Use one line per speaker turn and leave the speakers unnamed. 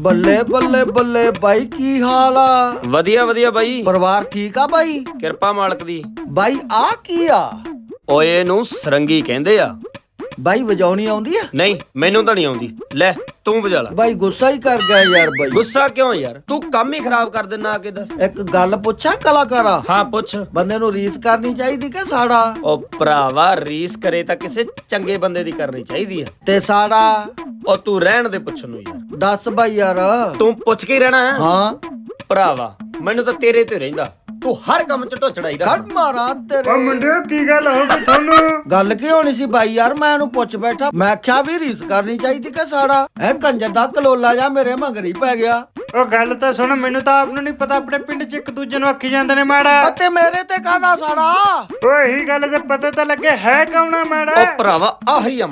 ਬੱਲੇ ਬੱਲੇ ਬੱਲੇ ਬਾਈ, ਕੀ ਹਾਲ ਆ?
ਵਧੀਆ ਵਧੀਆ ਬਾਈ,
ਪਰਿਵਾਰ ਠੀਕ ਆ ਬਾਈ?
ਕਿਰਪਾ ਮਾਲਕ ਦੀ।
ਬਾਈ ਆ ਕੀ ਆ?
ਓਏ ਇਹਨੂੰ ਸਰੰਗੀ ਕਹਿੰਦੇ ਆ।
ਬਾਈ ਵਜਾਉਣੀ ਆਉਂਦੀ ਆ?
ਨਹੀਂ ਮੈਨੂੰ ਤਾਂ ਨਹੀਂ ਆਉਂਦੀ, ਲੈ ਤੂੰ ਵਜਾ ਲੈ।
ਬਾਈ ਗੁੱਸਾ ਹੀ ਕਰ ਗਿਆ ਯਾਰ। ਬਾਈ
ਗੁੱਸਾ ਕਿਉਂ ਯਾਰ, ਤੂੰ ਕੰਮ ਹੀ ਖਰਾਬ ਕਰ ਦਿੰਨਾ ਆ ਕੇ ਦੱਸ।
ਇੱਕ ਗੱਲ ਪੁੱਛਾਂ ਕਲਾਕਾਰਾ?
ਹਾਂ ਪੁੱਛ।
ਬੰਦੇ ਨੂੰ ਰੀਸ ਕਰਨੀ ਚਾਹੀਦੀ ਕਿ ਸਾੜਾ?
ਉਹ ਭਰਾਵਾ, ਰੀਸ ਕਰੇ ਤਾਂ ਕਿਸੇ ਚੰਗੇ ਬੰਦੇ ਦੀ ਕਰਨੀ ਚਾਹੀਦੀ ਆ।
ਤੇ ਸਾੜਾ?
ਉਹ ਤੂੰ ਰਹਿਣ ਦੇ ਪੁੱਛਣ ਨੂੰ ਯਾਰ।
ਦੱਸ ਬਾਈ ਯਾਰ।
ਤੂੰ ਪੁੱਛ ਕੇ ਹੀ ਰਹਿਣਾ ਹੈ?
ਹਾਂ
ਭਰਾਵਾ ਮੈਨੂੰ ਤਾਂ ਤੇਰੇ ਤੇ ਰਹਿੰਦਾ, ਤੂੰ ਹਰ ਕੰਮ 'ਚ ਢੋਚੜਾਈ
ਕੱਢ
ਰੱਖ।
ਮਾਰਾਂ ਤੇਰੇ।
ਓ ਮੁੰਡਿਓ, ਕੀ ਗੱਲ ਹੋ ਗਈ ਤੁਹਾਨੂੰ?
ਗੱਲ ਕੀ ਹੋਣੀ ਸੀ ਬਾਈ ਯਾਰ? ਮੈਂ ਇਹਨੂੰ ਪੁੱਛ ਬੈਠਾ, ਮੈਂ ਕਿਹਾ ਵੀ ਰੀਸ ਕਰਨੀ ਚਾਹੀਦੀ ਕਿ ਸਾੜਾ? ਇਹ ਕੰਜਰ ਦਾ ਕਲੋਲਾ ਜਾ ਮੇਰੇ ਮਗਰੀ ਪੈ ਗਿਆ।
ਉਹ ਗੱਲ ਤਾਂ ਸੁਣ, ਮੈਨੂੰ ਤਾਂ ਆਪ ਨੂੰ ਨਹੀਂ ਪਤਾ, ਆਪਣੇ ਪਿੰਡ 'ਚ ਇੱਕ ਦੂਜੇ ਨੂੰ ਆਖੀ ਜਾਂਦੇ ਨੇ ਮਾੜਾ।
ਅਤੇ ਮੇਰੇ ਤੇ ਕਾਹਦਾ ਸਾੜਾ?
ਓਏ ਇਹੀ ਗੱਲ ਤੇ ਪਤਾ ਤਾਂ ਲੱਗੇ ਹੈ ਕੌਣਾ ਮਾੜਾ।
ਉਹ ਭਰਾਵਾ ਆਹੀ ਆ